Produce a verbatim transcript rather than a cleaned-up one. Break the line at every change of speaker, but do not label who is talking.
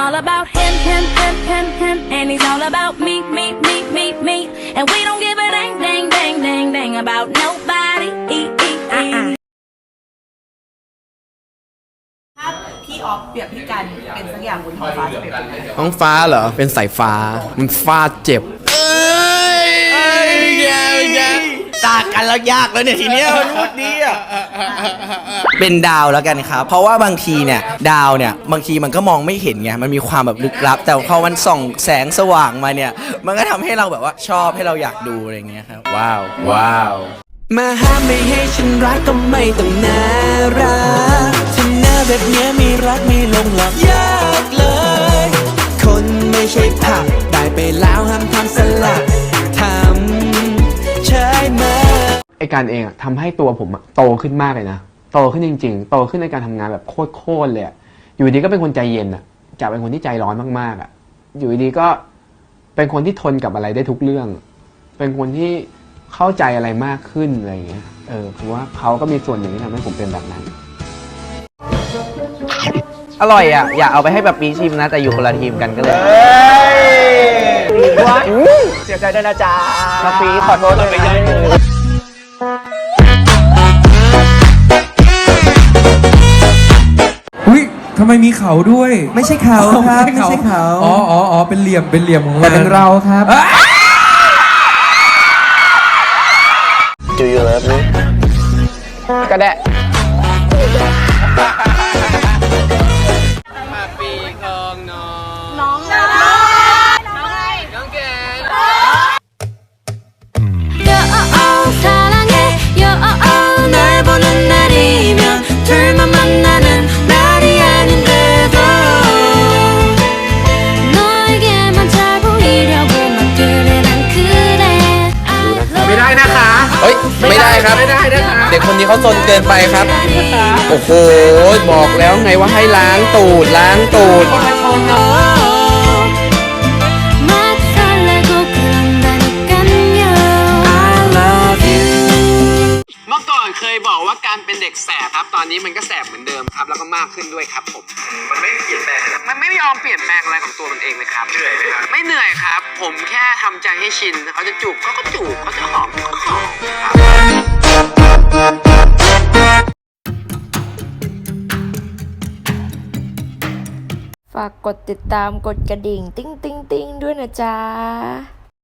all about him, him, him, him, him, and he's all about me, me, me, me, me, and we don't give a dang, dang, dang, dang, dang about nobody. E, e, e.
ถ้าพี่ออฟเปรียบพี่กันเป็นสักอย่างบนท้องฟ้าจะเป็นยังไง
ท้องฟ้าเหรอ เป็นสายฟ้า มันฟาดเจ็บ เอ้ยแย่แย่ตากันแล้วยากแล้วเนี่ยทีเนี้ยมันพูดดีอ่ะเป็นดาวแล้วกันครับ เพราะว่าบางทีเนี่ยดาวเนี่ยบางทีมันก็มองไม่เห็นไง มันมีความแบบลึกลับ แต่พอมันส่องแสงสว่างมาเนี่ย มันก็ทำให้เราแบบว่าชอบให้เราอยากดูอะไรเงี้ยครับ ว้าว ว้าว มาห้ามไม่ให้ฉันรักก็ไม่ต้องน่ารักทำหน้าแบบเนี้ยไม่รักไม่ลงหรอกยากเลย คนไม่ใช่ผักได้ไปแล้วห้ามทำสลัดทำใช่ไหม
ไอการเองอะทำให้ตัวผมอะโตขึ้นมากเลยนะโตขึ้นจริงๆโตขึ้นในการทำงานแบบโคตรๆเลยอะอยู่ดีก็เป็นคนใจเย็นอะจากเป็นคนที่ใจร้อนมากๆอะอยู่ดีก็เป็นคนที่ทนกับอะไรได้ทุกเรื่อง เป็นคนที่เข้าใจอะไรมากขึ้นอะไรอย่างเงี้ยเออคือว่าเขาก็มีส่วนหนึ่งที่ทำให้ผมเป็นแบบนั้น
อร่อยอ่ะอยากเอาไปให้แบบปีชิมนะแต่อยู่คนละทีมกันก็เลยเสียใจด้วยนะจ๊ะมาปีขอโทษด้วยนะ
อุ้ยทำไมมีเขาด้วย
ไม่ใช่เขาครับไม่ใช่เขา
อ๋ออ๋ออ๋อเป็นเหลี่ยมเป็นเหลี่ยมของ
แต่เป็นเราครับ
Do you love me ก็ได้มาปีของน้องน้องน้องน้องน้องเก๋ไม่ได้นะคะ เฮ้ย ไม่ได้ครับ ไม่ได้นะคะ เด็กคนนี้เขาซนเกินไปครับ โอ้โห บอกแล้วไงว่าให้ล้างตูด ล้างตูด เมื่อก่อนเคยบอกว่าการเป็นเด็กแสบครับ ตอนนี้มันก็แสบเหมือนเดิมครับ แล้วก็มากขึ้นด้วยครับผม มันไม่เปลี่ยนแปลงมันไม่ยอมเปลี่ยนแปลงอะไรของตัวมันเองเลยครับ เหนื่อยไหมครับ ไม่เหนื่อยครับ ผมแค่ทำใจให้ชิน เขาจะจูบเขาก็จูบเขาจะหอมเขาก็หอมครับ
ฝากกดติดตามกดกระดิ่ง ติ๊งติ๊งติ๊งด้วยนะจ๊ะ